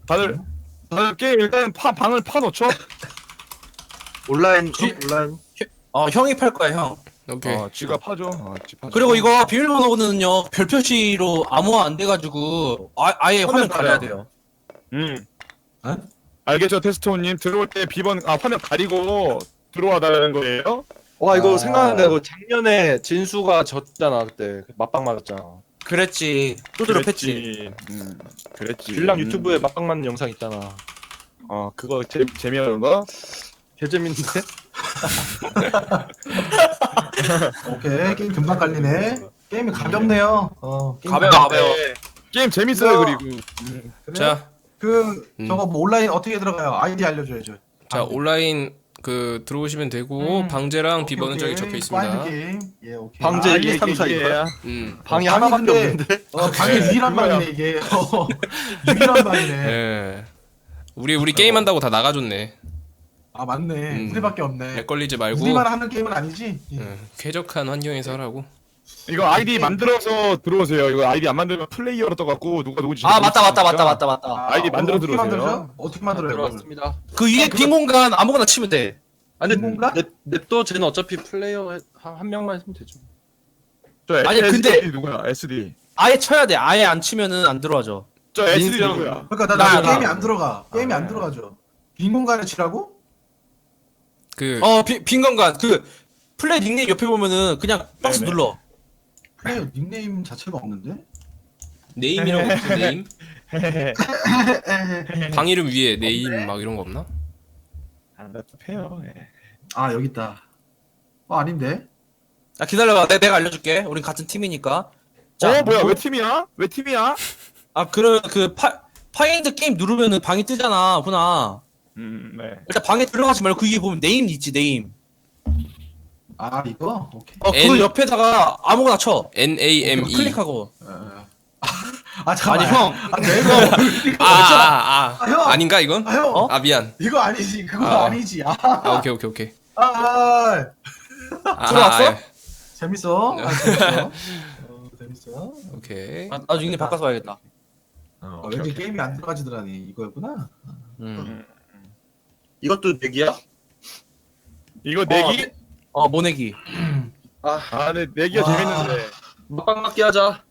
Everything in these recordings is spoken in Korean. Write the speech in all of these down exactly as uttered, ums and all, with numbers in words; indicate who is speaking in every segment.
Speaker 1: 다들 다들 게임 일단 파 방을 파 놓죠.
Speaker 2: 온라인
Speaker 3: 지-
Speaker 2: 온라인
Speaker 3: 어 형이 팔 거야 형.
Speaker 4: 오케이.
Speaker 1: 어, 지가 파죠. 어, 지 파죠.
Speaker 3: 그리고 이거 비밀번호는요 별 표시로 암호화 안 돼가지고 아, 아예 화면 가려야 돼요.
Speaker 1: 음.
Speaker 3: 에?
Speaker 1: 알겠죠, 테스토님. 들어올 때 비번 아 화면 가리고 들어와달라는 거예요.
Speaker 2: 와 이거
Speaker 3: 아.
Speaker 2: 생각난다. 이거 작년에 진수가 졌잖아 그때 맞방 맞았잖아.
Speaker 3: 그랬지. 두드려 팼지.
Speaker 1: 그랬지. 음, 그랬지.
Speaker 2: 빌랑
Speaker 1: 음.
Speaker 2: 유튜브에 맞방 맞는 영상 있잖아.
Speaker 1: 어, 그거 재 재미없는 거?
Speaker 2: 개재밌는데?
Speaker 5: 오케이 게임 금방 깔리네. 게임이 가볍네요. 어 게임
Speaker 3: 가벼워,
Speaker 5: 가볍-
Speaker 3: 가벼워.
Speaker 1: 네. 게임 재밌어요.
Speaker 5: 이거-
Speaker 1: 그리고
Speaker 5: 그래?
Speaker 4: 자,
Speaker 5: 그
Speaker 4: 음.
Speaker 5: 저거 뭐 온라인 어떻게 들어가요? 아이디 알려줘야죠.
Speaker 4: 자 온라인 그 들어오시면 되고
Speaker 5: 음.
Speaker 4: 방제랑
Speaker 5: 오케이,
Speaker 4: 비번은 저기
Speaker 5: 오케이.
Speaker 4: 적혀 있습니다.
Speaker 5: 파인드 게임. 예 오케이.
Speaker 2: 방제
Speaker 1: 아,
Speaker 2: 일,
Speaker 1: 이게
Speaker 2: 삼, 사
Speaker 1: 이게
Speaker 2: 이거야?
Speaker 4: 음.
Speaker 2: 방이
Speaker 5: 방이
Speaker 2: 하나밖에
Speaker 5: 근데-
Speaker 2: 없는데?
Speaker 5: 어 방이
Speaker 1: 네,
Speaker 5: 유일한
Speaker 1: 그거야.
Speaker 5: 방이네 이게. 어, 유일한 방이네.
Speaker 4: 예. 우리 우리 게임 한다고 다 나가줬네.
Speaker 5: 아 맞네.
Speaker 4: 음.
Speaker 5: 우리밖에 없네.
Speaker 4: 렉 걸리지 말고
Speaker 5: 우리만 하는 게임은 아니지. 예.
Speaker 4: 예, 쾌적한 환경에서 하라고.
Speaker 1: 이거 아이디 만들어서 들어오세요. 이거 아이디 안 만들면 플레이어로 떠갖고 누가 누구지?
Speaker 3: 아 맞다 맞다 맞다 맞다 맞다.
Speaker 5: 아,
Speaker 1: 아이디 만들어
Speaker 5: 어떻게
Speaker 1: 들어오세요.
Speaker 5: 만들죠? 어떻게 만들어요? 그걸?
Speaker 2: 들어왔습니다.
Speaker 3: 그 위에 빈 공간 아무거나 치면 돼.
Speaker 2: 아니
Speaker 5: 뭔가?
Speaker 2: 냅, 냅둬 쟤는 어차피 플레이어 한, 한 명만 했으면 되죠.
Speaker 1: 저
Speaker 3: 아니,
Speaker 1: 에스디
Speaker 3: 근데-
Speaker 1: 누구야? 에스디.
Speaker 3: 아예 쳐야 돼. 아예 안 치면은 안 들어와져.
Speaker 1: 저 에스디
Speaker 2: 민수 형.
Speaker 1: 누구야?
Speaker 5: 그러니까 나,
Speaker 3: 나,
Speaker 5: 나,
Speaker 3: 나.
Speaker 5: 게임이 안 들어가. 게임이
Speaker 1: 아,
Speaker 5: 안
Speaker 1: 네.
Speaker 5: 들어가죠. 빈 공간에 치라고?
Speaker 4: 그
Speaker 3: 어빈 공간 그 플레이 닉네임 옆에 보면은 그냥 박스
Speaker 1: 네네.
Speaker 3: 눌러.
Speaker 5: 플레이어 닉네임 자체가 없는데?
Speaker 4: 네임이라고 없어 네임. 방 이름 위에 네임 막 이런 거 없나?
Speaker 1: 안 답답해요. 예.
Speaker 5: 아 여기 있다. 어 아닌데?
Speaker 3: 아 기다려봐. 내, 내가 알려줄게. 우린 같은 팀이니까. 자,
Speaker 1: 어 뭐야?
Speaker 3: 뭐-
Speaker 1: 왜 팀이야? 왜 팀이야?
Speaker 3: 아 그런 그 파, 파인드 게임 누르면은 방이 뜨잖아. 훈아.
Speaker 1: 음, 네.
Speaker 3: 일단 방에 들어가지 말고 그 위에 보면 네임 있지 네임.
Speaker 5: 아 이거? 오케이.
Speaker 3: 어 그거
Speaker 4: N-
Speaker 3: 옆에다가 아무거나 쳐.
Speaker 4: N A M E.
Speaker 3: 클릭하고.
Speaker 5: 어. 아 잠깐만.
Speaker 3: 아니 형.
Speaker 5: 아 내가
Speaker 4: 아, 아,
Speaker 5: 아, 형!
Speaker 4: 아. 아닌가 이건?
Speaker 5: 아 형.
Speaker 3: 어?
Speaker 4: 아 미안.
Speaker 5: 이거 아니지. 그거
Speaker 4: 아.
Speaker 5: 아. 니지 아.
Speaker 4: 아 오케이 오케이 오케이.
Speaker 5: 아, 아.
Speaker 4: 아,
Speaker 3: 들어왔어?
Speaker 4: 아,
Speaker 5: 재밌어. 아, 재밌어. 어, 재밌어.
Speaker 4: 오케이.
Speaker 3: 아, 나중에 닉네임 바꿔서 봐야겠다.
Speaker 5: 어,
Speaker 1: 오케이,
Speaker 5: 왠지
Speaker 1: 오케이.
Speaker 5: 게임이 안 들어가지더라니. 이거였구나.
Speaker 3: 음.
Speaker 2: 이것도 내기야?
Speaker 1: 이거 내기?
Speaker 3: 어 모내기.
Speaker 2: 아
Speaker 1: 아, 네, 내기가
Speaker 5: 와.
Speaker 1: 재밌는데.
Speaker 2: 맞방 맞기 하자.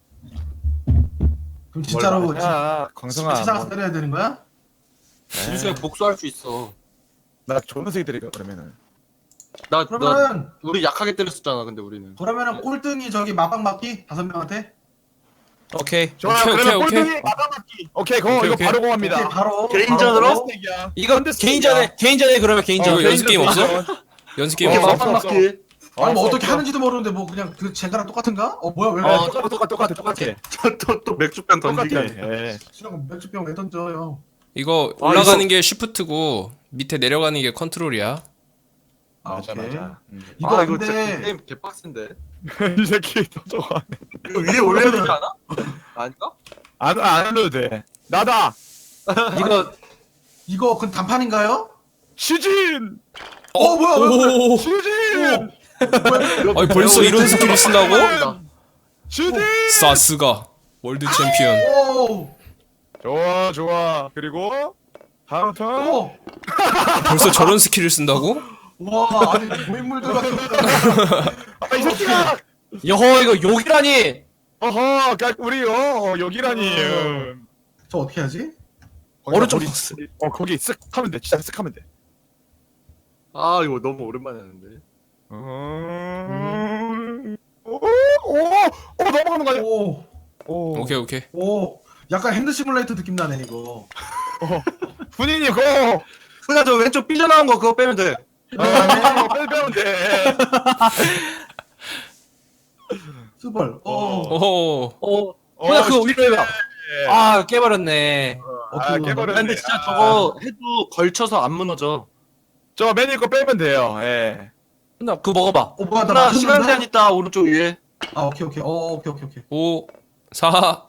Speaker 5: 그럼 진짜로 진-
Speaker 1: 야, 광성아.
Speaker 5: 찾아가서 때려야 되는 거야?
Speaker 2: 진수에 복수할 수 있어.
Speaker 1: 나 조은색이 드릴까 그러면은.
Speaker 2: 나, 나
Speaker 5: 그러면은
Speaker 2: 우리 약하게 때렸었잖아. 근데 우리는.
Speaker 5: 그러면은 꼴등이 저기 마방 맞기 다섯 명한테.
Speaker 3: 오케이.
Speaker 1: 좋아요.
Speaker 4: 오케이,
Speaker 1: 그러면
Speaker 4: 오케이,
Speaker 1: 꼴등이 마감맞기. 오케이, 그거
Speaker 4: 오케이,
Speaker 1: 이거
Speaker 4: 오케이.
Speaker 1: 바로
Speaker 5: 오케이,
Speaker 1: 공합니다.
Speaker 5: 바로
Speaker 2: 개인전으로?
Speaker 5: 바로.
Speaker 1: 스택이야.
Speaker 3: 이거
Speaker 1: 컨테스트야.
Speaker 3: 개인전에 개인전에 그러면 개인전.
Speaker 4: 어,
Speaker 3: 에
Speaker 4: 연습 게임 없어? 연습 게임
Speaker 2: 오케이
Speaker 1: 어,
Speaker 4: 없어?
Speaker 2: 맞방
Speaker 1: 없어,
Speaker 2: 맞기.
Speaker 5: 아니 뭐
Speaker 1: 없어,
Speaker 5: 어떻게
Speaker 1: 없어.
Speaker 5: 하는지도 모르는데 뭐 그냥 그 쟤가랑 똑같은가? 어 뭐야 왜?
Speaker 3: 어,
Speaker 5: 어,
Speaker 1: 똑같아, 똑같아, 똑같아, 똑같아.
Speaker 2: 또 또 맥주병
Speaker 1: 똑같아.
Speaker 2: 던지기.
Speaker 1: 예.
Speaker 5: 수령 맥주병 왜 던져요?
Speaker 4: 이거
Speaker 2: 아,
Speaker 4: 올라가는
Speaker 2: 이거-
Speaker 4: 게 쉬프트고 밑에 내려가는 게 컨트롤이야.
Speaker 5: 아,
Speaker 1: 맞아,
Speaker 5: 오케이.
Speaker 1: 맞아. 음.
Speaker 5: 이거
Speaker 2: 아 이거 진짜
Speaker 5: 근데
Speaker 2: 게임 개빡센데.
Speaker 1: 이 새끼 더 좋아.
Speaker 2: 이거 위에 올려야 되지 않아? 아닌가?
Speaker 1: 안, 안 해도 돼. 나다.
Speaker 5: 이거 이거 그 단판인가요?
Speaker 1: 시진.
Speaker 5: 어, 뭐야 뭐야?
Speaker 4: 오.
Speaker 1: 시진.
Speaker 4: 아니 벌써 이런 스킬을 쓴다고?
Speaker 1: 시진.
Speaker 4: 사스가 월드 챔피언.
Speaker 5: 오,
Speaker 1: 좋아, 좋아. 그리고 다음 턴.
Speaker 5: 오,
Speaker 4: 벌써 저런 스킬을 쓴다고?
Speaker 5: 와 아니 고인물들 같은.
Speaker 1: 아, 이 새끼가.
Speaker 3: 여호 이거 욕이라니.
Speaker 1: 어허, 까- 우리 어 여기라니. 음.
Speaker 5: 저 어떻게 하지?
Speaker 3: 오른쪽
Speaker 1: 거기-
Speaker 3: 박스.
Speaker 1: 어 거기 쓱 하면 돼. 진짜 쓱 하면 돼.
Speaker 2: 아 이거 너무 오랜만에 하는데.
Speaker 1: 음. 오, 오, 오 넘어가는 거 아니야?
Speaker 5: 오,
Speaker 1: 오.
Speaker 4: 오케이 오케이.
Speaker 5: 오, 약간 핸드 시뮬레이터 느낌 나네 이거.
Speaker 1: 군인이 고.
Speaker 2: 그냥 저 왼쪽 삐져나온 거 그거 빼면 돼.
Speaker 1: 아, 빨리 빼면 돼.
Speaker 5: 수벌. 어,
Speaker 4: 오.
Speaker 3: 어.
Speaker 1: 어,
Speaker 3: 훈아 그거 위로 해봐.
Speaker 1: 예.
Speaker 3: 아 깨버렸네.
Speaker 1: 아, 깨버렸네.
Speaker 2: 근데 진짜
Speaker 1: 아.
Speaker 2: 저거 해도 걸쳐서 안 무너져.
Speaker 1: 저 맨 위거 빼면 돼요. 예.
Speaker 3: 훈아 그거 먹어봐.
Speaker 5: 어 뭐야 나
Speaker 2: 하나
Speaker 5: 맞췄는데?
Speaker 2: 시간 제한 있다 오른쪽 위에.
Speaker 5: 아 오케이 오케이. 어 오케이 오케이 오케이.
Speaker 4: 오. 사. 어.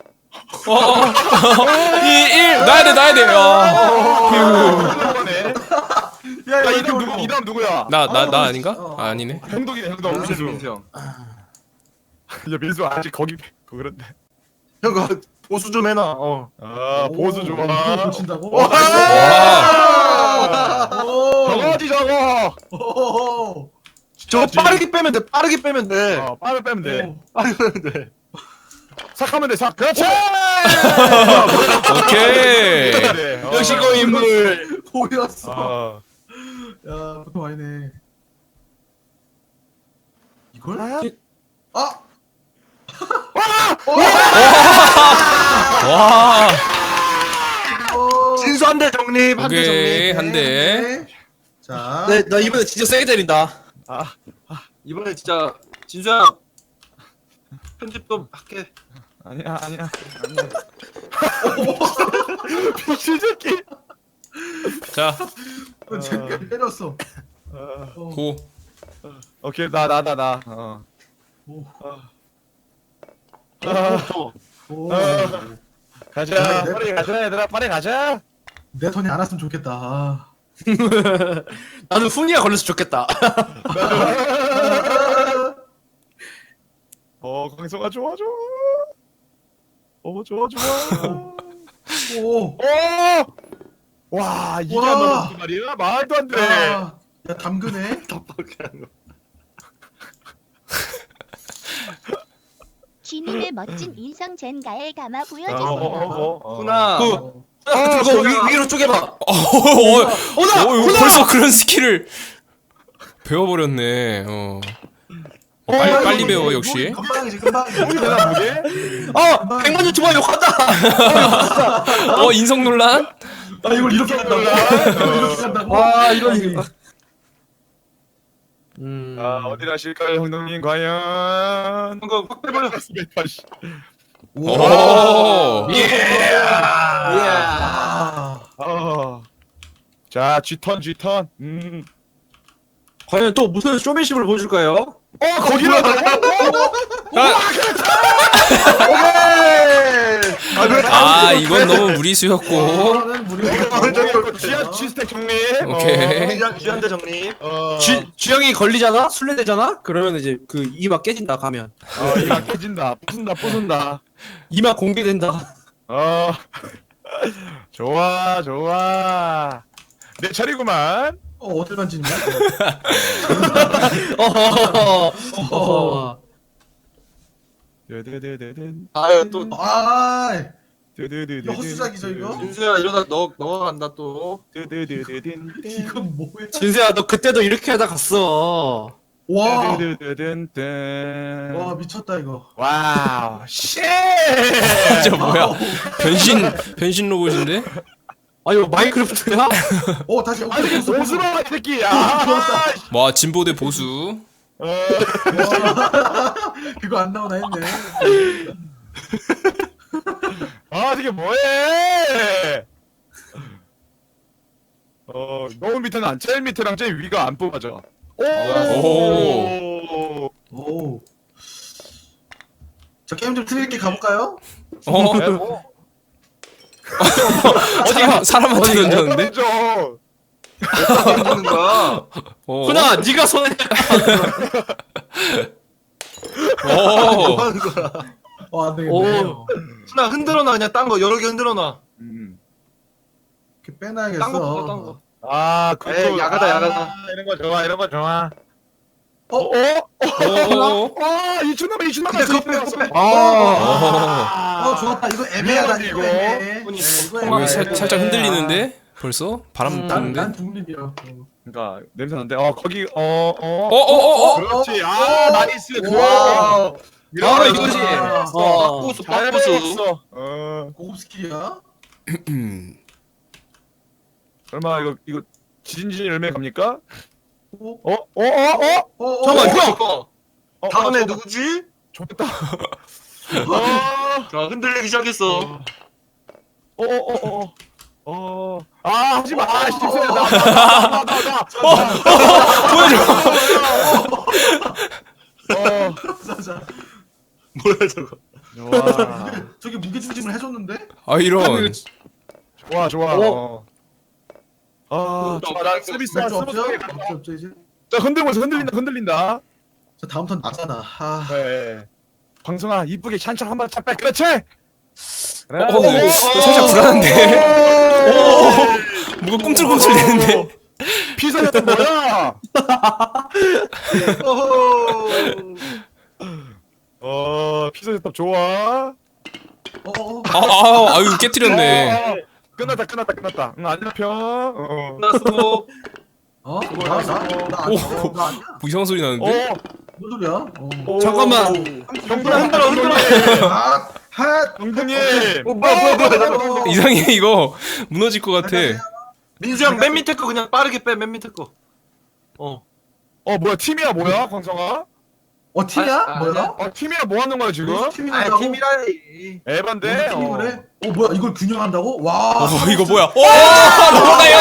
Speaker 4: 이. 일. 나야 돼 나야 돼. 어.
Speaker 1: 이거네.
Speaker 5: 야
Speaker 1: 야,
Speaker 5: 이거
Speaker 1: 이 다음 누구? 이 다음 누구야?
Speaker 4: 나나 나 아닌가?
Speaker 5: 어.
Speaker 4: 아, 아니네.
Speaker 1: 행동이네, 행동. 민수.
Speaker 2: 민수 형.
Speaker 1: 야, 민수 아직 거기 그 그런데.
Speaker 2: 형 그거 보수 좀 해놔. 어.
Speaker 1: 아 보수 좋아.
Speaker 5: 이걸 고친다고?
Speaker 1: 와!
Speaker 5: 오!
Speaker 1: 저거지 저거.
Speaker 5: 오!
Speaker 2: 저거 빠르게 빼면 돼. 빠르게 빼면 돼.
Speaker 1: 어 빠르게 빼면 돼.
Speaker 2: 빠르게 빼면 돼.
Speaker 1: 삭하면 돼 삭. 그렇지.
Speaker 4: 오케이.
Speaker 1: 네, 어.
Speaker 3: 역시 그 인물.
Speaker 5: 보였어.
Speaker 1: 어.
Speaker 5: 야, 보통 아니네. 이걸?
Speaker 1: 아?
Speaker 5: 아!
Speaker 4: 와.
Speaker 5: 어.
Speaker 2: 진수 한 대 정립. 한 대
Speaker 4: 오케이
Speaker 2: 정립.
Speaker 4: 한 대.
Speaker 5: 자,
Speaker 3: 네, 나 이번에 진짜 세게 때린다.
Speaker 2: 이번에 진짜 진수야 편집 좀 할게.
Speaker 1: 아니야 아니야. 아니야. 미친 새끼.
Speaker 4: 자,
Speaker 5: 어, 쟤 때렸어.
Speaker 1: 어.
Speaker 5: 어.
Speaker 4: 고.
Speaker 1: 오케이 나 나 나 나. 어.
Speaker 5: 오.
Speaker 1: 아,
Speaker 5: 오.
Speaker 1: 어. 가자.
Speaker 5: 네.
Speaker 1: 빨리 가자 얘들아 빨리 가자.
Speaker 5: 내 손이 안 왔으면 좋겠다. 아.
Speaker 3: 나는 훈이가 걸려서 좋겠다.
Speaker 1: 어 강성아 좋아 좋아. 어 좋아 좋아.
Speaker 5: 오.
Speaker 1: 오! 와 이게
Speaker 5: 와.
Speaker 1: 안 넘어진 말이야? 말도 안 돼.
Speaker 5: 야, 야 담그네.
Speaker 2: 답답하게 하는 거.
Speaker 6: 쥐님의 멋진 인성 젠가에 감아
Speaker 1: 어,
Speaker 6: 보여주세요.
Speaker 1: 어, 어, 어.
Speaker 2: 훈아.
Speaker 3: 그,
Speaker 5: 어.
Speaker 3: 그거 위, 위로 쪼개봐.
Speaker 4: 어, 어, 어, 벌써 그런 스킬을 배워버렸네. 어. 어, 빨리
Speaker 5: 야,
Speaker 4: 빨리
Speaker 5: 이거
Speaker 4: 배워
Speaker 5: 무기,
Speaker 4: 역시.
Speaker 5: 무기 금방이지 금방이지.
Speaker 1: 우리 되나 무게?
Speaker 3: 어, 백만 유튜버 욕한다.
Speaker 4: 어 인성 논란?
Speaker 5: 아 이걸 이렇게 한다고? 이걸 이렇게 한다고?
Speaker 3: 와, 이런 이거. 음.
Speaker 1: 아 어디 가실까요 형님 과연?
Speaker 2: 이거 확 빼버려.
Speaker 1: 백팔십.
Speaker 4: 오.
Speaker 3: 예.
Speaker 5: 아.
Speaker 1: 어. 자 G턴 G턴. 음.
Speaker 3: 과연 또 무슨 쇼맨십을 보여줄까요?
Speaker 1: 어 거기로.
Speaker 4: 아 이건 너무 무리수였고.
Speaker 5: 이거는 무료.
Speaker 1: 지하 G스택 정리.
Speaker 4: 오케이.
Speaker 2: 귀한 귀한 대 정립.
Speaker 1: 어.
Speaker 3: 쥐, 쥐형이 걸리잖아? 술래되잖아? 그러면 이제 그 이마 깨진다, 가면.
Speaker 1: 어 이거 깨진다. 부순다 부순다.
Speaker 3: 이마 공개된다.
Speaker 1: 어. 좋아 좋아. 내 차례구만.
Speaker 5: 어 어딜 만지는 거야?
Speaker 3: 어허허허. 어허허.
Speaker 1: 드드드드든.
Speaker 2: 아유 또
Speaker 5: 아,
Speaker 1: 드드드드든.
Speaker 5: 이거 헛수작이죠, 이거?
Speaker 2: 진수야 이러다 너 너가 간다 또.
Speaker 1: 드드드드든.
Speaker 5: 이건 뭐야?
Speaker 3: 진수야, 너 그때도 이렇게 하다 갔어.
Speaker 5: 와,
Speaker 1: 드드드드든.
Speaker 5: 와 미쳤다 이거.
Speaker 1: 와우. 쉣.
Speaker 4: 진짜 뭐야? 변신 변신 로봇인데?
Speaker 3: 아, 이거 마인크래프트야?
Speaker 5: 어 다시.
Speaker 1: 아 이게 무슨 이 새끼. 야.
Speaker 4: 와 진보 대 보수.
Speaker 1: 어.
Speaker 5: 그거 안 나오나 했네.
Speaker 1: 아 이게 뭐해? 어 너무 밑에는 안 제일 밑에랑 제일 위가 안 뽑아져. 오.
Speaker 4: 오.
Speaker 5: 오. 저 게임 좀 트릴게 가볼까요?
Speaker 4: 어?
Speaker 1: 네, 뭐.
Speaker 4: 사람, 사람한테 던졌는데?
Speaker 1: 죠
Speaker 2: 하는 거야.
Speaker 4: 어.
Speaker 3: 훈아, 네가 손에.
Speaker 4: 오.
Speaker 2: 뭐 하는 거야.
Speaker 5: 어, 안 되겠네.
Speaker 3: 오.
Speaker 2: 훈아 흔들어놔 그냥 딴 거 여러 개 흔들어놔.
Speaker 1: 음.
Speaker 5: 이렇게 빼놔야겠어.
Speaker 2: 딴 거 딴거 딴 거.
Speaker 1: 아, 그거
Speaker 2: 에이, 야가다,
Speaker 1: 아,
Speaker 2: 야가다.
Speaker 1: 이런 거 좋아, 이런 거 좋아.
Speaker 5: 어?
Speaker 1: 어?
Speaker 4: 오.
Speaker 1: 아, 이춘 남아, 이춘 남아.
Speaker 2: 근데 그거 빼, 그거 빼.
Speaker 1: 아,
Speaker 5: 어 좋았다. 이거 애매하다.
Speaker 1: 미안하지,
Speaker 5: 이거
Speaker 1: 이거.
Speaker 5: 애매해.
Speaker 2: 이거
Speaker 5: 이거
Speaker 4: 어,
Speaker 5: 애매해.
Speaker 4: 살, 살짝 흔들리는데? 벌써? 바람
Speaker 5: 난, 난
Speaker 4: 부는데?
Speaker 5: 중립이야. 어.
Speaker 1: 그러니까 냄새 나는데. 어, 거기 어, 어.
Speaker 4: 어, 어, 어, 어?
Speaker 1: 그렇지. 아, 나이스.
Speaker 5: 와.
Speaker 1: 좋아.
Speaker 3: 바로 이거지.
Speaker 5: 아,
Speaker 3: 어.
Speaker 2: 빡부수
Speaker 1: 잘
Speaker 2: 빡부수.
Speaker 1: 배웠어. 어.
Speaker 5: 고급 스킬이야.
Speaker 4: 음.
Speaker 1: 설마 이거 이거 지진진 열매 갑니까?
Speaker 5: 어?
Speaker 1: 어? 어? 어? 어?
Speaker 5: 어? 어?
Speaker 3: 잠깐만,
Speaker 5: 어?
Speaker 3: 형!
Speaker 2: 어,
Speaker 1: 어,
Speaker 2: 다음에
Speaker 1: 어,
Speaker 2: 누구지?
Speaker 1: 좋겠다. 어.
Speaker 2: 자 흔들리기 시작했어.
Speaker 1: 어, 어, 어, 어. 어. 아, 하지 마. 아, 실수야. 나, 나, 나, 나, 나. 어.
Speaker 5: 자, 자.
Speaker 2: 뭐야 저거.
Speaker 1: 좋아.
Speaker 5: 저기 무게중심을 해줬는데?
Speaker 4: 아, 이런.
Speaker 1: 좋아, 좋아. 어. 아, 좋아. 나 서비스
Speaker 5: 맥주 없죠?
Speaker 1: 서비스.
Speaker 5: 맥주 없죠 이제?
Speaker 1: 자, 흔들고 있어. 흔들린다. 흔들린다.
Speaker 5: 자 다음 턴 나잖아. 아.
Speaker 1: 네. 광성아, 이쁘게 샨찬 한번 쫙 빼. 그렇지. 그래.
Speaker 4: 어, 어, 살짝 불안한데. 오, 뭐가 꿈틀꿈틀 되는데.
Speaker 1: 피서였던 뭐야? 어, 피서였던 좋아.
Speaker 5: 어어.
Speaker 4: 아, 아, 아유 깨뜨렸네.
Speaker 1: 어, 끝났다, 끝났다, 끝났다. 응, 안 잡혀. 어.
Speaker 3: 끝났어.
Speaker 5: 어? 나? 나? 나
Speaker 4: 오.
Speaker 5: 아니야. 나 아니야.
Speaker 4: 뭐 이상한 소리 나는데?
Speaker 1: 어,
Speaker 5: 뭔 소리야? 어.
Speaker 1: 오.
Speaker 3: 잠깐만.
Speaker 1: 형들 흔들어, 흔들어.
Speaker 5: 아, 핫.
Speaker 1: 형님.
Speaker 3: 어, 뭐야 뭐야 뭐야. 잠깐만.
Speaker 4: 이상해 이거 무너질 것 같아.
Speaker 3: 민수 형 맨 밑에 거 그냥 빠르게 빼 맨 밑에 거. 어.
Speaker 1: 어, 뭐야, 팀이야, 뭐야, 광성아?
Speaker 5: 어, 팀이야?
Speaker 3: 아, 아,
Speaker 5: 뭐야?
Speaker 3: 아니야.
Speaker 1: 어, 팀이야, 뭐 하는 거야, 지금?
Speaker 5: 무슨 팀이라고?
Speaker 3: 팀이라니.
Speaker 1: 에반데?
Speaker 5: 팀이 그래? 어, 뭐야? 이걸 균형한다고? 와.
Speaker 4: 어 이거 뭐야? 오 넘어가요.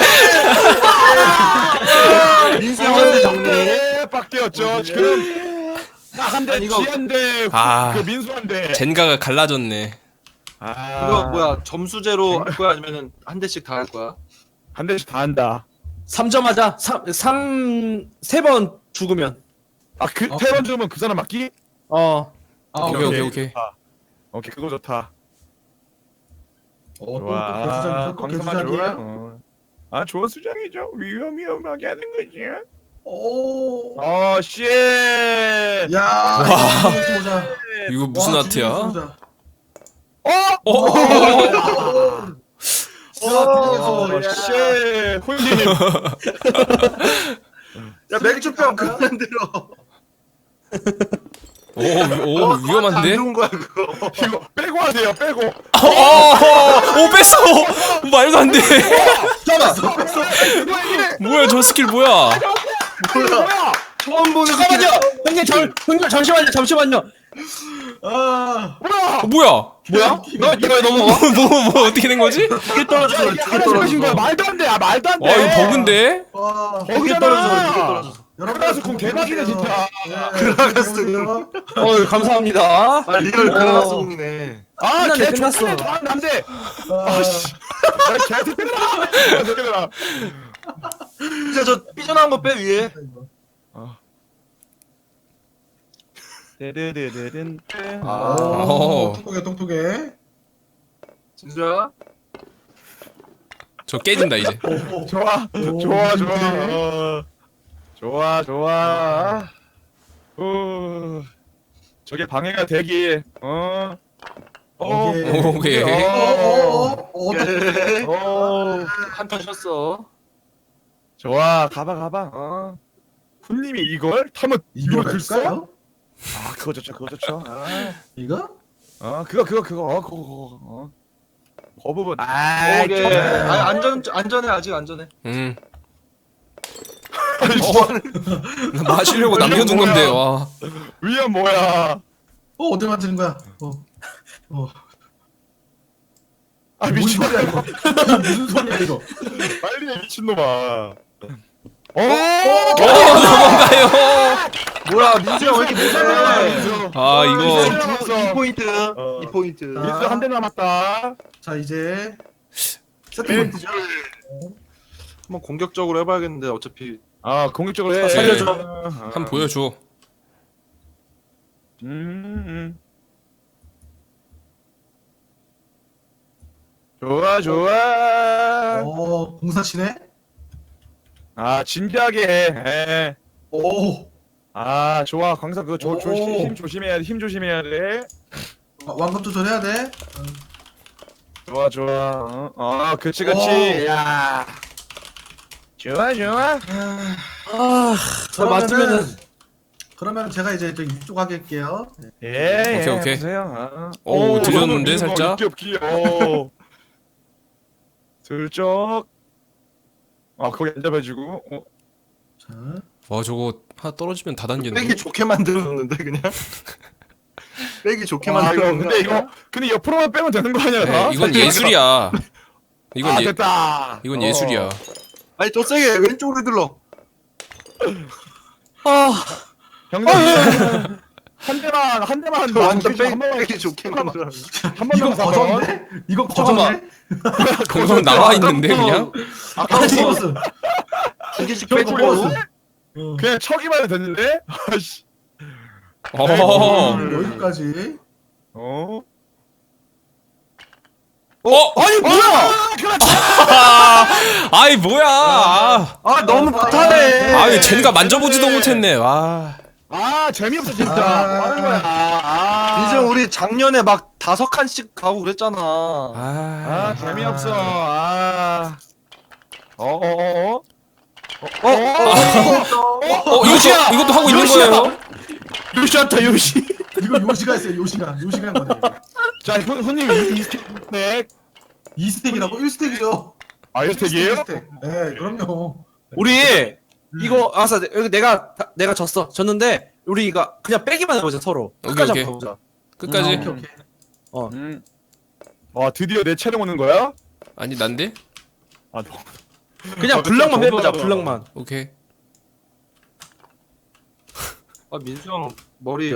Speaker 3: 민수 형한테 정리.
Speaker 1: 네, 빡대였죠. 지금 나한대
Speaker 3: 아니, 이거-
Speaker 1: 지한대
Speaker 4: 아.
Speaker 1: 그 민수한대.
Speaker 4: 젠가가 갈라졌네.
Speaker 1: 아,
Speaker 3: 이거 뭐야 점수제로 할 거야 아니면은 한 대씩 다 할 거야?
Speaker 1: 한 대씩 다 한다.
Speaker 2: 삼 점 하자. 삼 세 번 죽으면.
Speaker 1: 아, 그 세 번 주면 그 사람 맞기?
Speaker 2: 어.
Speaker 5: 아,
Speaker 4: 오케이 오케이 오케이.
Speaker 1: 좋다. 오케이, 그거 좋다.
Speaker 5: 어, 또, 또
Speaker 1: 좋아.
Speaker 5: 개수작, 또
Speaker 1: 광성아 좋아.
Speaker 5: 개수작이에요?
Speaker 1: 어. 아, 좋은 수장이죠. 위험 위험하게 하는 거지.
Speaker 5: 오.
Speaker 1: 어, 씨.
Speaker 5: 야.
Speaker 4: 와.
Speaker 5: 이거 보자.
Speaker 4: 이거 무슨
Speaker 5: 와,
Speaker 4: 아트야?
Speaker 5: 진짜 보자.
Speaker 1: 어?
Speaker 4: 어?
Speaker 1: 어,
Speaker 5: 야.
Speaker 1: 씨. 홀님.
Speaker 3: 야 맥주병 그만 들어.
Speaker 4: 오, 오
Speaker 3: 안
Speaker 4: 위험한데?
Speaker 3: 좋은 거야 그거.
Speaker 1: 이거 빼고 하세요. 빼고.
Speaker 4: 어, 어, 오 뺐어. 말도 안 돼. 뭐야 저 스킬 뭐야?
Speaker 1: 뭐야?
Speaker 3: 처음 보는
Speaker 2: 잠깐만요. 형님 잠 형님 잠시만요. 잠시만요.
Speaker 5: 아.
Speaker 1: 뭐야?
Speaker 4: 어, 뭐야?
Speaker 2: 뭐야? 너 이거 왜 넘어가?
Speaker 4: 뭐 뭐 뭐 어떻게 된 거지?
Speaker 3: 두개 떨어졌어.
Speaker 1: 이게
Speaker 3: 두개
Speaker 1: 하나씩 하신 거야.
Speaker 3: 떨어졌어.
Speaker 1: 말도 안 돼. 아, 말도 안 돼.
Speaker 4: 아 이거 버그인데?
Speaker 5: 와.
Speaker 3: 두개 떨어졌어. 두개 떨어졌어.
Speaker 1: 그라가스 공 대박이네, 진짜.
Speaker 3: 그라가스
Speaker 2: 어, 감사합니다.
Speaker 3: 아 리얼 그라가스 공이네.
Speaker 1: 아,
Speaker 2: 끝났네,
Speaker 1: 걔
Speaker 2: 끝났어.
Speaker 1: 끝났어. 다음 남대.
Speaker 5: 아,
Speaker 1: 아씨. 나 걔한테 때려라. 때려라.
Speaker 3: 진짜 저 삐져나온 거 빼 위에.
Speaker 1: 데르르르른.
Speaker 5: 오,
Speaker 4: 어.
Speaker 5: 똑똑해, 똑똑해.
Speaker 3: 진짜?
Speaker 4: 저 깨진다 이제.
Speaker 1: 좋아. 좋아, 좋아. 어. 좋아, 좋아. 어. 저게 방해가 되길. 어. 어.
Speaker 5: 오케이.
Speaker 4: 오케이.
Speaker 5: 어, 어, 어, 어,
Speaker 3: 오케이.
Speaker 1: 어.
Speaker 3: 한턴 쉬었어.
Speaker 1: 좋아. 가봐, 가봐. 어. 훈님이 이걸 타면
Speaker 5: 이거
Speaker 1: 이걸 글써?
Speaker 5: 갈까요?
Speaker 1: 아, 그거 좋죠, 그거 좋죠. 아.
Speaker 5: 이거?
Speaker 1: 어, 그거, 그거, 그거, 어, 그거, 그거, 어. 그 부분. 아,
Speaker 3: 오케이. 아 안전 안전해 아직 안전해.
Speaker 4: 음.
Speaker 1: 어,
Speaker 4: 나 마시려고 남겨둔
Speaker 1: 뭐야?
Speaker 4: 건데 와.
Speaker 1: 위험 뭐야?
Speaker 5: 어, 어디 만드는 거야? 어. 어.
Speaker 1: 아,
Speaker 5: 뭔
Speaker 1: 미친.
Speaker 5: 소리야, 이거? 무슨 소리야, 이거?
Speaker 1: 빨리 해, 미친놈아. 어,
Speaker 4: 오 넘어가요.
Speaker 3: 뭐야 민수 형왜 이렇게 못하네.
Speaker 4: 아 이거
Speaker 1: 이거
Speaker 3: 이 포인트.
Speaker 1: 어.
Speaker 3: 이 포인트.
Speaker 1: 민수 한 대 남았다.
Speaker 5: 자, 이제 세트 포인트죠?
Speaker 3: 한번 공격적으로 해봐야겠는데 어차피.
Speaker 1: 아, 공격적으로 해.
Speaker 3: 살려줘.
Speaker 4: 한번 보여줘.
Speaker 1: 음, 음. 좋아, 좋아.
Speaker 5: 어, 공사 치네?
Speaker 1: 아, 진지하게 해. 해.
Speaker 5: 오.
Speaker 1: 아, 좋아. 광사 그거 조,
Speaker 5: 오.
Speaker 1: 조심, 힘 조심해야 돼. 힘 조심해야 돼.
Speaker 5: 와- 완급 조절해야 돼?
Speaker 1: 좋아, 좋아. 어, 어 그치, 그치.
Speaker 5: 오.
Speaker 1: 야. 좋아, 좋아.
Speaker 2: 아, 저 맞으면은
Speaker 5: 그러면 제가 이제 좀 이쪽 할게요.
Speaker 1: 예,
Speaker 4: 오케이,
Speaker 1: 예,
Speaker 4: 오케이.
Speaker 1: 보세요. 아.
Speaker 4: 오, 들렸는데,
Speaker 1: 이거
Speaker 4: 살짝?
Speaker 1: 입기 없기. 오. 슬쩍. 아, 거기 안 잡아주고. 어.
Speaker 5: 자,
Speaker 4: 와 저거 하나 떨어지면 다 단계인데.
Speaker 3: 빼기 좋게 만들었는데 그냥. 빼기 좋게
Speaker 1: 아, 이거
Speaker 3: 만들었는데.
Speaker 1: 근데 이거 근데 옆으로만 빼면 되는 거 아니야?
Speaker 4: 네,
Speaker 1: 다?
Speaker 4: 이건 예술이야. 이건
Speaker 1: 아,
Speaker 4: 예
Speaker 1: 됐다.
Speaker 4: 이건
Speaker 1: 어.
Speaker 4: 예술이야.
Speaker 3: 아니 더 세게 왼쪽으로 들러.
Speaker 2: 아,
Speaker 1: 형님. 한 대만 한 대만 한
Speaker 3: 완전
Speaker 1: 한
Speaker 3: 빼기,
Speaker 1: 번만
Speaker 3: 빼기 좋게 만들어.
Speaker 1: 한번
Speaker 5: 이거
Speaker 1: 남았어.
Speaker 5: 거전데? 이거
Speaker 2: 잠깐만.
Speaker 5: 거전데?
Speaker 4: 그건 나와 있는데 그냥.
Speaker 3: 아까
Speaker 5: 아니,
Speaker 3: 뭐
Speaker 5: 무슨.
Speaker 3: 두 개씩
Speaker 5: 저거
Speaker 3: 빼주고.
Speaker 5: 뭐였어?
Speaker 1: 그냥 척이만 해도 됐는데. 아씨.
Speaker 4: 어.
Speaker 5: 여기까지.
Speaker 1: 어.
Speaker 4: 어?
Speaker 2: 아니 뭐야?
Speaker 4: 아이 뭐야? 아,
Speaker 2: 아 너무 못하네.
Speaker 4: 아이 젠가 만져보지도 못했네. 와.
Speaker 1: 아 재미없어 진짜.
Speaker 5: 아.
Speaker 1: 뭐 하는 거야? 아.
Speaker 2: 민수 우리 작년에 막 다섯 칸씩 가고 그랬잖아.
Speaker 4: 아,
Speaker 1: 아 재미없어. 아. 어어어.
Speaker 2: 어? 어?
Speaker 4: 어 이것도 이것도 하고 있는 거예요?
Speaker 2: 요시한테 요시.
Speaker 5: 이거 요시가 했어요. 요시가 요시가 한 거네.
Speaker 1: 자 손- 손님 이 스택.
Speaker 5: 이 스택이라고? 일 스택이요.
Speaker 1: 아 일 스택이에요?
Speaker 5: 스택. 네, 그럼요.
Speaker 2: 우리 이거 아싸 여기 내가 다- 내가 졌어. 졌는데 우리 이거 그냥 빼기만 해보자 서로.
Speaker 4: 오케이,
Speaker 2: 끝까지
Speaker 4: 오케이.
Speaker 2: 한번 해보자.
Speaker 4: 끝까지.
Speaker 5: 오케이 오케이.
Speaker 1: 음. 와 드디어 내 차례 오는 거야?
Speaker 4: 아니 난데?
Speaker 1: 아 너.
Speaker 2: 그냥
Speaker 1: 아,
Speaker 2: 블럭만
Speaker 1: 진짜
Speaker 2: 빼보자.
Speaker 1: 너무하다.
Speaker 2: 블럭만.
Speaker 4: 오케이.
Speaker 2: 아 민수 형 머리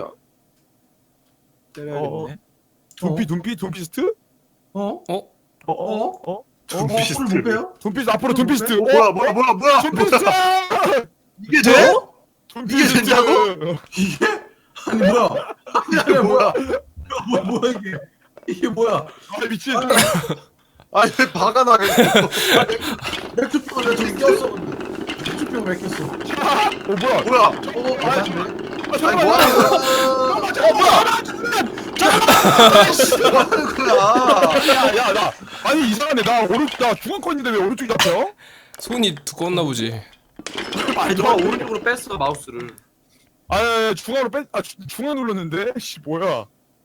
Speaker 2: 때려야겠네.
Speaker 1: 둠피 둠피 둠피스트?
Speaker 5: 어?
Speaker 4: 어?
Speaker 1: 어? 어? 어?
Speaker 5: 어? 풀을 못 빼요?
Speaker 1: 둠피스트 앞으로 둠피스트.
Speaker 5: 어,
Speaker 1: 뭐야 뭐야 뭐야 뭐야? 둠피스트.
Speaker 2: 이게 돼?
Speaker 1: 둠피스트.
Speaker 2: 이게 된다고?
Speaker 5: 이게? 아니 뭐야? 아니 뭐야? 뭐야 뭐야 이게? 이게 뭐야?
Speaker 1: 아 미친.
Speaker 2: 아니 왜 바가 나게?
Speaker 5: 맥주병을 왜 저기 꼈어? 맥주병 왜 꼈어?
Speaker 1: 어 뭐야?
Speaker 2: 뭐야?
Speaker 5: 어? 아,
Speaker 1: 아니
Speaker 2: 아니 뭐 하는 거야? 어 뭐야? 뭐 하는 거야?
Speaker 1: 야야 나 아니 이상하네 나 오른 나 중앙권인데 왜 오른쪽이 잡혀?
Speaker 4: 손이 두꺼웠나 보지.
Speaker 2: 아니 너가 오른쪽으로 뺐어 마우스를.
Speaker 1: 아 중앙으로 뺀아 중앙 눌렀는데 씨 뭐야?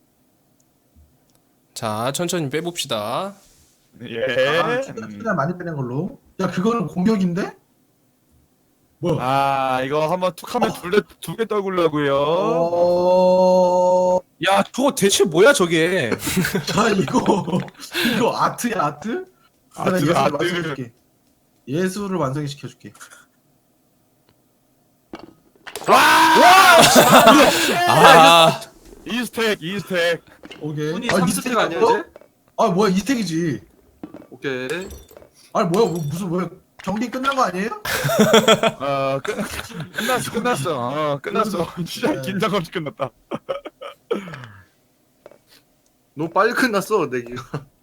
Speaker 4: 자 천천히 빼봅시다.
Speaker 1: 예.
Speaker 5: 아, 최대한 많이 빼는 걸로. 야 그거는 공격인데? 뭐야?
Speaker 1: 아 이거 한번 툭하면 두개두개 떨구려고요.
Speaker 5: 어...
Speaker 2: 야 저거 대체 뭐야 저게?
Speaker 5: 자 이거 이거 아트야 아트? 내가
Speaker 1: 아트,
Speaker 5: 예술을
Speaker 1: 아트.
Speaker 5: 완성시켜줄게. 예술을 완성시켜줄게.
Speaker 4: 아,
Speaker 1: 이스택 이스택.
Speaker 5: 오케이.
Speaker 2: 손이
Speaker 5: 아,
Speaker 2: 삼
Speaker 5: 이
Speaker 2: 스택
Speaker 5: 스택
Speaker 2: 아니야
Speaker 5: 어?
Speaker 2: 이제?
Speaker 5: 아 뭐야 이 스택이지.
Speaker 2: 오케이.
Speaker 5: 아니 뭐야 뭐, 무슨 뭐야 경기 끝난 거 아니에요?
Speaker 1: 어 끝, 끝났어 끝났어 어 끝났어 진짜
Speaker 5: 네.
Speaker 1: 긴장 없이 끝났다.
Speaker 2: 너무 빨리 끝났어 내기가.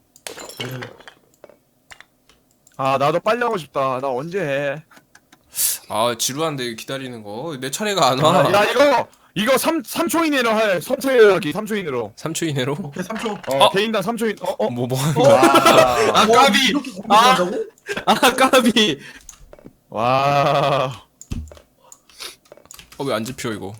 Speaker 1: 아 나도 빨리 하고 싶다. 나 언제 해?
Speaker 4: 아 지루한데 기다리는 거. 내 차례가 안
Speaker 1: 아,
Speaker 4: 와.
Speaker 1: 야 이거 이거 삼 삼 초 이내로 할 선택하기 삼 초 이내로.
Speaker 4: 삼 초 이내로?
Speaker 5: 오케이 삼 초.
Speaker 1: 어,
Speaker 4: 어?
Speaker 1: 개인당 삼 초 이. 어 어.
Speaker 4: 뭐 뭐 하는 거야?
Speaker 1: 와.
Speaker 2: 아 까비.
Speaker 5: 이렇게 공격한다고?
Speaker 2: 아 까비.
Speaker 1: 와.
Speaker 4: 어 왜 안 집혀 이거?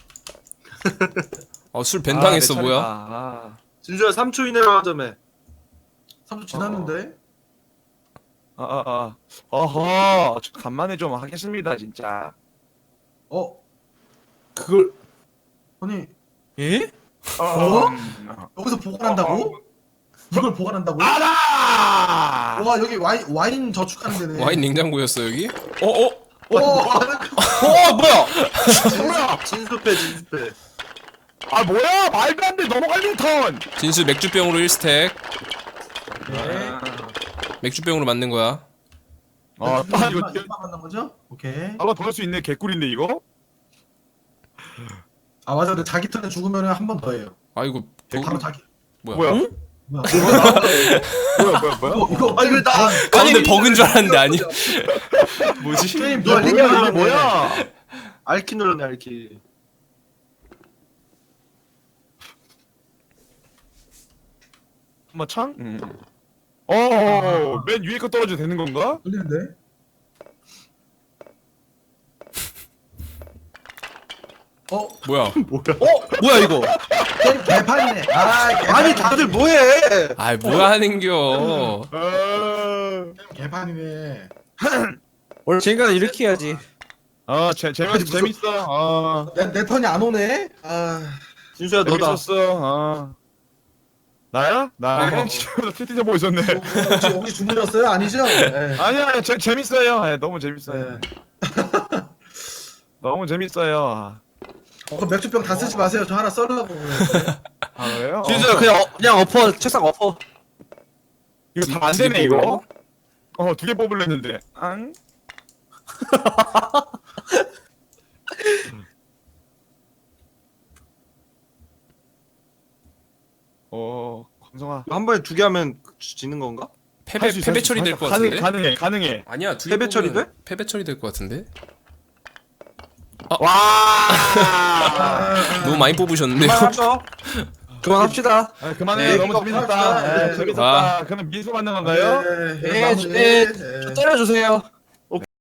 Speaker 4: 어술
Speaker 1: 아,
Speaker 4: 벤당했어
Speaker 1: 내
Speaker 4: 뭐야?
Speaker 1: 차례다. 아.
Speaker 2: 진수야 삼 초 이내로 하자며.
Speaker 5: 삼 초 지났는데.
Speaker 1: 아, 아, 아. 어허, 저 간만에 좀 하겠습니다, 진짜.
Speaker 5: 어?
Speaker 2: 그걸
Speaker 5: 아니
Speaker 2: 예?
Speaker 5: 어?
Speaker 1: 음.
Speaker 5: 여기서 보관한다고? 이걸 보관한다고?
Speaker 1: 알아!
Speaker 5: 와 여기 와인 와인 저축하는 데네.
Speaker 4: 와인 냉장고였어 여기? 어 어?
Speaker 5: 오.
Speaker 2: 어 뭐야?
Speaker 1: 뭐야?
Speaker 2: 진수패 진수패.
Speaker 1: 아, 뭐야? 말도 안 돼, 넘어갈린 턴!
Speaker 4: 진수 맥주병으로 일 스택.
Speaker 5: 네.
Speaker 4: 맥주병으로 만든 거야.
Speaker 1: 아, 딱 이거,
Speaker 5: 이거 이거 만난 거죠? 오케이.
Speaker 1: 아까 더 할 수 있네, 개꿀인데, 이거?
Speaker 5: 아 맞아. 근데 자기 턴에 죽으면 한 번 더 해요.
Speaker 4: 아 이거 도...
Speaker 5: 바로 자기.
Speaker 4: 뭐야?
Speaker 1: 뭐야?
Speaker 2: 응?
Speaker 5: 뭐야?
Speaker 1: 뭐야, 뭐야, 뭐야?
Speaker 5: 이거 이거
Speaker 2: 아니 왜나
Speaker 4: 가운데 버그인 줄 알았는데 아니. 뭐지?
Speaker 5: 게임
Speaker 2: 너
Speaker 5: 누가
Speaker 2: 뭐야
Speaker 5: 이기는
Speaker 2: 이게
Speaker 5: 거야?
Speaker 2: 뭐야? 알키 눌렀네 알키.
Speaker 1: 한번 창? 응. 어, 맨 위에 거 떨어져도 되는 건가?
Speaker 5: 걸리는데? 어?
Speaker 4: 뭐야?
Speaker 2: 어 뭐야 이거?
Speaker 5: 게임 개판이네. 아 개판.
Speaker 2: 아니 다들 뭐해?
Speaker 4: 아 뭐야 하는겨?
Speaker 1: 어,
Speaker 5: 게임 개판이네.
Speaker 2: 원래 쟤가 이렇게 해야지.
Speaker 1: 어, 재, 재밌, 재밌어. 어,
Speaker 5: 내, 내 턴이 안 오네. 아.
Speaker 2: 진수야 너다.
Speaker 1: 재밌었어. 어. 나야? 나,
Speaker 5: 어.
Speaker 1: 티티저 보고 있었네.
Speaker 5: 혹시 혹시 주문이었어요? 아니죠? 네.
Speaker 1: 아니야, 아니, 재, 재밌어요. 예, 너무 재밌어요.
Speaker 5: 네.
Speaker 1: 너무 재밌어요.
Speaker 5: 어, 그럼 맥주병 다 쓰지 마세요. 저 하나 썰라고.
Speaker 1: 아, 왜요?
Speaker 2: 진수야 그냥 어, 그냥 엎어 책상 엎어.
Speaker 1: 이거 다 안 되네, 이거. 어, 두 개 뽑으려 했는데. 앙? 어, 광성아.
Speaker 2: 한 번에 두 개 하면 지는 건가?
Speaker 4: 패배
Speaker 1: 할수 있어,
Speaker 4: 패배
Speaker 1: 할수
Speaker 4: 처리
Speaker 1: 있어.
Speaker 4: 될 것
Speaker 1: 가능-
Speaker 4: 같은데.
Speaker 1: 가능해 가능해.
Speaker 4: 아니야 둘이
Speaker 2: 패배 처리
Speaker 4: 뽑으면
Speaker 2: 돼?
Speaker 4: 패배 처리 될 것 같은데.
Speaker 1: 와.
Speaker 4: 너무 많이 뽑으셨는데요.
Speaker 2: 그만하죠. 그만합시다.
Speaker 1: 아, 그만해.
Speaker 5: 네,
Speaker 1: 너무
Speaker 5: 이거
Speaker 1: 재밌었다.
Speaker 5: 합시다.
Speaker 1: 네,
Speaker 5: 네.
Speaker 1: 재밌었다.
Speaker 4: 아.
Speaker 1: 그럼 미수 받는 건가요?
Speaker 2: 네, 네, 저 때려주세요.